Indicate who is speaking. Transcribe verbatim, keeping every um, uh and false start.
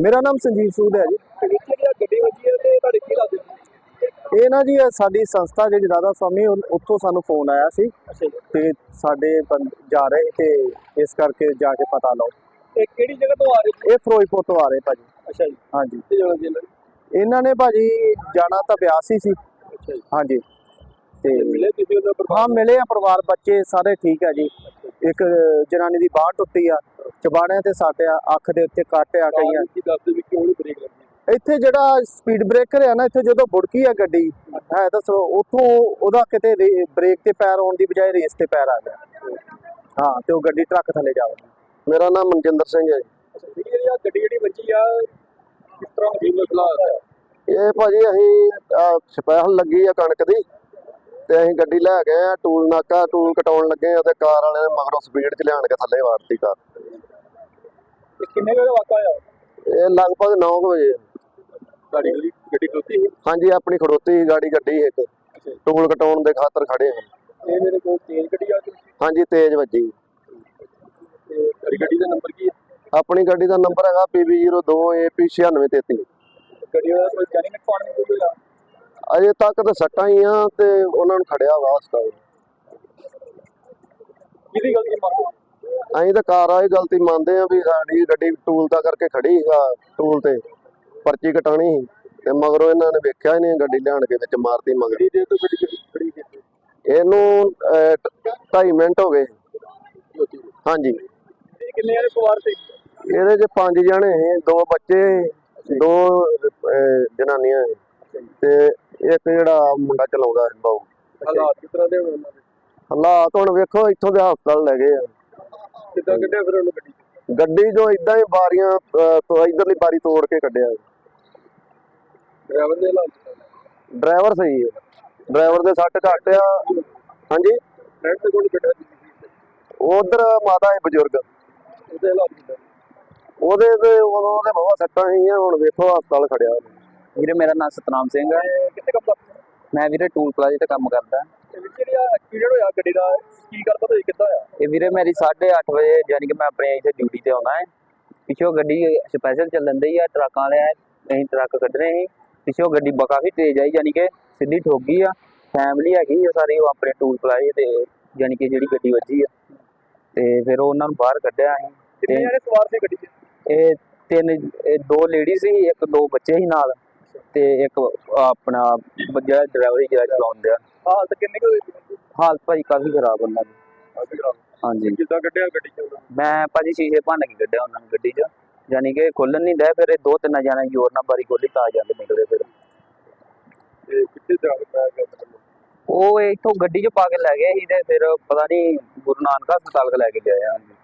Speaker 1: ਮੇਰਾ ਨਾਮ ਸੰਜੀਵ ਸੂਦ ਹੈ ਜੀ।
Speaker 2: ਗੱਡੀ ਵੱਜੀ ਹੈ ਤੇ ਤੁਹਾਡੇ ਕੀ ਲੱਗਦਾ?
Speaker 1: ਇਹ ਨਾ ਜੀ ਸਾਡੀ ਸੰਸਥਾ ਜਿਹੜੀ ਰਾਧਾ ਸਵਾਮੀ ਉੱਥੋਂ ਸਾਨੂੰ ਫੋਨ ਆਇਆ ਸੀ ਤੇ ਸਾਡੇ ਜਾ ਰਹੇ ਤੇ ਇਸ ਕਰਕੇ ਜਾ ਕੇ ਪਤਾ ਲਓ।
Speaker 2: ਇਹ ਕਿਹੜੀ ਜਗ੍ਹਾ ਤੋਂ ਆ ਰਹੇ?
Speaker 1: ਇਹ ਫਿਰੋਜ਼ਪੁਰ ਤੋਂ ਆ ਰਹੇ ਭਾਜੀ।
Speaker 2: ਅੱਛਾ ਜੀ।
Speaker 1: ਹਾਂਜੀ।
Speaker 2: ਤੇ ਜਾਣਾ ਜੀ
Speaker 1: ਇਹਨਾਂ ਨੇ ਭਾਜੀ ਜਾਣਾ ਤਾਂ ਬਿਆਸ ਹੀ ਸੀ।
Speaker 2: ਅੱਛਾ ਜੀ।
Speaker 1: ਹਾਂਜੀ। ਤੇ
Speaker 2: ਮਿਲੇ ਤੁਸੀਂ ਉਹਦਾ ਪਰਿਵਾਰ?
Speaker 1: ਹਾਂ ਮਿਲੇ ਆ, ਪਰਿਵਾਰ ਬੱਚੇ ਸਾਰੇ ਠੀਕ ਹੈ ਜੀ। ਇੱਕ ਜਨਾਨੀ ਦੀ ਬਾਂਹ ਟੁੱਟੀ ਆ, ਚਬਾੜਿਆਂ ਤੇ ਸੱਟ ਆ, ਅੱਖ ਦੇ ਉੱਤੇ ਕੱਟ ਆ ਕਈਆਂ।
Speaker 2: ਦੱਸਦੇ ਵੀ ਕਿਉਂ ਨਹੀਂ ਬ੍ਰੇਕ ਲੱਗੀ?
Speaker 1: ਇੱਥੇ ਜਿਹੜਾ ਸਪੀਡ ਬ੍ਰੇਕਰ ਹੈ ਨਾ, ਇੱਥੇ ਜਦੋਂ ਬੁੜਕੀ ਆ ਗੱਡੀ ਹੈ ਤਾਂ ਉੱਥੋਂ ਉਹਦਾ ਕਿਤੇ ਬ੍ਰੇਕ ਤੇ ਪੈਰ ਆਉਣ ਦੀ ਬਜਾਏ ਰੇਸ ਤੇ ਪੈਰ ਆ ਗਿਆ। ਹਾਂ ਤੇ ਉਹ ਗੱਡੀ ਟਰੱਕ ਥੱਲੇ ਜਾ ਵੜੀ। ਮੇਰਾ ਨਾਮ ਮਨਜਿੰਦਰ ਸਿੰਘ ਹੈ ਜੀ।
Speaker 2: ਜਿਹੜੀ ਆ ਗੱਡੀ ਜਿਹੜੀ ਵੱਜੀ ਆ ਕਿਸ ਤਰ੍ਹਾਂ ਦੀ ਮਸਲਾ ਹੈ?
Speaker 1: ਇਹ ਭਾਜੀ ਅਸੀਂ ਸਪੈਸ਼ਲ ਲੱਗੀ ਆ ਕਣਕ ਦੀ ਤੇ ਅਸੀਂ ਗੱਡੀ ਲੈ ਗਏ ਆ, ਟੂਲ ਨਾਕਾ ਟੂਲ ਕਟਾਉਣ ਲੱਗੇ ਆ ਤੇ ਕਾਰ ਵਾਲੇ ਨੇ ਮਗਰੋਂ ਸਪੀਡ 'ਚ ਲਿਆਣ ਕੇ ਥੱਲੇ ਵਾੜਤੀ ਕਾਰ।
Speaker 2: ਕਿੰਨੇ ਵਜੇ ਵਾਕਾ ਆ?
Speaker 1: ਇਹ ਲਗਭਗ ਨੌ ਵਜੇ।
Speaker 2: ਗਾੜੀ ਗੱਡੀ ਖਲੋਤੀ ਸੀ?
Speaker 1: ਹਾਂਜੀ, ਆਪਣੀ ਖੜੋਤੀ ਗਾੜੀ ਗੱਡੀ ਇੱਕ ਟੂਲ ਕਟਾਉਣ ਦੇ ਖਾਤਰ ਖੜੇ ਆ।
Speaker 2: ਇਹ ਮੇਰੇ ਕੋਲ ਤੇਜ਼ ਗੱਡੀ ਆ ਗਈ?
Speaker 1: ਹਾਂਜੀ, ਤੇਜ਼ ਵੱਜੀ।
Speaker 2: ਤੇ ਗੱਡੀ ਦਾ ਨੰਬਰ ਕੀ ਹੈ?
Speaker 1: ਆਪਣੀ ਗੱਡੀ ਦਾ ਨੰਬਰ ਹੈਗਾ ਪੀ ਬੀ ਜ਼ੀਰੋ ਦੋ ਏ ਪੀ ਛਿਆਨਵੇਂ ਤੇਤੀ।
Speaker 2: ਗੱਡੀ ਦਾ ਕੋਈ ਜਾਨੀ ਨੁਕਸਾਨ ਨਹੀਂ ਕੋਈ ਹੋਇਆ?
Speaker 1: ਅਜੇ ਤੱਕ ਤਾਂ ਸੱਟਾਂ ਹੀ ਆ ਤੇ ਉਹਨਾਂ ਨੂੰ ਖੜਿਆ ਵਾ ਹਸਪਤਾਲ।
Speaker 2: ਕਿਹਦੀ ਗਲਤੀ ਮੰਨਦੇ?
Speaker 1: ਅਸੀਂ ਤਾਂ ਕਾਰ ਵਾਲੀ ਗਲਤੀ ਮੰਨਦੇ ਆ ਵੀ ਸਾਡੀ ਗੱਡੀ ਟੂਲ ਤਾਂ ਕਰਕੇ ਖੜੀ ਸੀਗਾ, ਟੂਲ ਤੇ ਪਰਚੀ ਕਟਾਣੀ ਸੀ ਤੇ ਮਗਰੋਂ ਇਹਨਾਂ ਨੇ ਵੇਖਿਆ ਹੀ ਨਹੀਂ, ਗੱਡੀ ਲਿਆਣ ਕੇ ਵਿੱਚ ਮਾਰਤੀ ਮਗਰੀ ਦੇ। ਤੋਂ ਗੱਡੀ ਖੜੀ ਕੀਤੀ ਇਹਨੂੰ ਢਾਈ ਮਿੰਟ ਹੋ ਗਏ। ਹਾਂਜੀ।
Speaker 2: ਕਿੰਨੇ ਜਣੇ ਸਵਾਰ ਸੀ?
Speaker 1: ਇਹਦੇ 'ਚ ਪੰਜ ਜਣੇ ਸੀ, ਦੋ ਬੱਚੇ ਦੋ ਜਨਾਨੀਆਂ ਤੇ ਇੱਕ ਜਿਹੜਾ ਮੁੰਡਾ ਚਲਾਉਂਦਾ ਸੀ ਬਾਊ।
Speaker 2: ਹਾਲਾਤ ਕਿਸ ਤਰ੍ਹਾਂ ਦੇ ਹੋਣ ਉਹਨਾਂ ਦੇ?
Speaker 1: ਹਾਲਾਤ ਹੁਣ ਵੇਖੋ, ਇੱਥੋਂ ਦੇ ਹਸਪਤਾਲ ਲੈ ਗਏ ਆ।
Speaker 2: ਕਿੱਦਾਂ ਕੱਢਿਆ ਫਿਰ ਉਹਨੂੰ ਗੱਡੀ?
Speaker 1: ਗੱਡੀ ਜੋ ਇਦਾਂ ਹੀ ਬਾਰੀਆਂ ਤੋਂ ਇਧਰਲੀ ਬਾਰੀ ਤੋੜ ਕੇ ਕੱਢਿਆ।
Speaker 2: ਡਰਾਈਵਰ ਦੇ ਹਾਲਾਤ?
Speaker 1: ਡਰਾਈਵਰ ਸਹੀ ਹੈ, ਡਰਾਈਵਰ ਦੇ ਸੱਟ ਘੱਟ ਆ। ਹਾਂਜੀ।
Speaker 2: ਫਰੈਂਡ ਦੇ ਕੋਲ ਕੱਢਿਆ?
Speaker 1: ਉਧਰ ਮਾਤਾ ਹੈ ਬਜ਼ੁਰਗ,
Speaker 2: ਉਹਦੇ ਹਾਲਾਤ ਕਿੱਦਾਂ?
Speaker 1: ਉਹਦੇ ਤੇ ਉਹਦੇ ਬਹੁਤ ਸੱਟਾਂ ਸੀਗੀਆਂ। ਹੁਣ ਵੇਖੋ ਹਸਪਤਾਲ ਖੜਿਆ।
Speaker 3: ਵੀਰੇ ਮੇਰਾ ਨਾਮ ਸਤਨਾਮ ਸਿੰਘ ਹੈ।
Speaker 2: ਕਿੱਥੇ ਕੰਮ ਕਰਦਾ?
Speaker 3: ਮੈਂ ਵੀਰੇ ਟੂਲ ਪਲਾਜ਼ੇ ਤੇ ਕੰਮ ਕਰਦਾ।
Speaker 2: ਜਿਹੜੀ ਆ ਐਕਸੀਡੈਂਟ ਹੋਇਆ ਗੱਡੀ ਦਾ, ਕੀ ਗੱਲਬਾਤ ਹੋਈ, ਕਿੱਦਾਂ ਆ?
Speaker 3: ਇਹ ਵੀਰੇ ਮੇਰੀ ਸਾਢੇ ਅੱਠ ਵਜੇ ਯਾਨੀ ਕਿ ਮੈਂ ਆਪਣੇ ਇੱਥੇ ਡਿਊਟੀ ਤੇ ਆਉਣਾ ਹੈ। ਪਿੱਛੋਂ ਗੱਡੀ ਸਪੈਸ਼ਲ ਚੱਲਣ ਦੀ ਆ, ਟਰੱਕਾਂ ਵਾਲੇ ਅਸੀਂ ਟਰੱਕ ਕੱਢਣੇ ਸੀ। ਪਿੱਛੋਂ ਗੱਡੀ ਕਾਫੀ ਤੇਜ਼ ਆਈ, ਯਾਨੀ ਕਿ ਸਿੱਧੀ ਠੋਕ ਗਈ ਆ। ਫੈਮਿਲੀ ਹੈਗੀ ਆ ਸਾਰੀ, ਉਹ ਆਪਣੇ ਟੂਲ ਪਲਾਜ਼ੇ ਤੇ ਯਾਨੀ ਕਿ ਜਿਹੜੀ ਗੱਡੀ ਵੱਜੀ ਆ ਤੇ ਫਿਰ ਉਹਨਾਂ ਨੂੰ ਬਾਹਰ ਕੱਢਿਆ ਅਸੀਂ।
Speaker 2: ਕਿੰਨੇ ਜਣੇ ਸਵਾਰ ਸੀ ਗੱਡੀ 'ਚ?
Speaker 3: ਇਹ ਤਿੰਨ, ਇਹ ਦੋ ਲੇਡੀ ਸੀ, ਇੱਕ ਦੋ ਬੱਚੇ ਸੀ ਨਾਲ ਤੇ ਇੱਕ ਆਪਣਾ ਜਿਹੜਾ ਡਰਾਈਵਰ ਜਿਹੜਾ ਚਲਾਉਂਦਾ।
Speaker 2: ਹਾਲਤ ਕਿੰਨੀ ਕੁ ਹੋਈ?
Speaker 3: ਹਾਲਤ ਭਾਜੀ ਕਾਫੀ ਖਰਾਬ ਉਹਨਾਂ ਦੀ। ਹਾਂਜੀ।
Speaker 2: ਕਿੱਦਾਂ ਕੱਢਿਆ ਗੱਡੀ 'ਚ?
Speaker 3: ਮੈਂ ਭਾਜੀ ਸ਼ੀਸ਼ੇ ਭੰਨ ਕੇ ਕੱਢਿਆ ਉਹਨਾਂ ਨੂੰ ਗੱਡੀ 'ਚ, ਯਾਨੀ ਕਿ ਖੋਲਣ ਨਹੀਂ ਡਿਆ। ਫਿਰ ਇਹ ਦੋ ਤਿੰਨ ਜਣੇ ਜ਼ੋਰ ਨਾਲ ਬਾਰੀ ਖੋਲੀ ਤਾਂ ਜਾਂਦੇ ਨਿਕਲੇ। ਫਿਰ
Speaker 2: ਤੇ ਕਿੱਥੇ ਜਾ ਕੇ
Speaker 3: ਉਹ ਇੱਥੋਂ ਗੱਡੀ 'ਚ ਪਾ ਕੇ ਲੈ ਗਏ ਸੀ ਤੇ ਫਿਰ ਪਤਾ ਨਹੀਂ ਗੁਰੂ ਨਾਨਕ ਹਸਪਤਾਲ ਲੈ ਕੇ ਗਏ ਆ।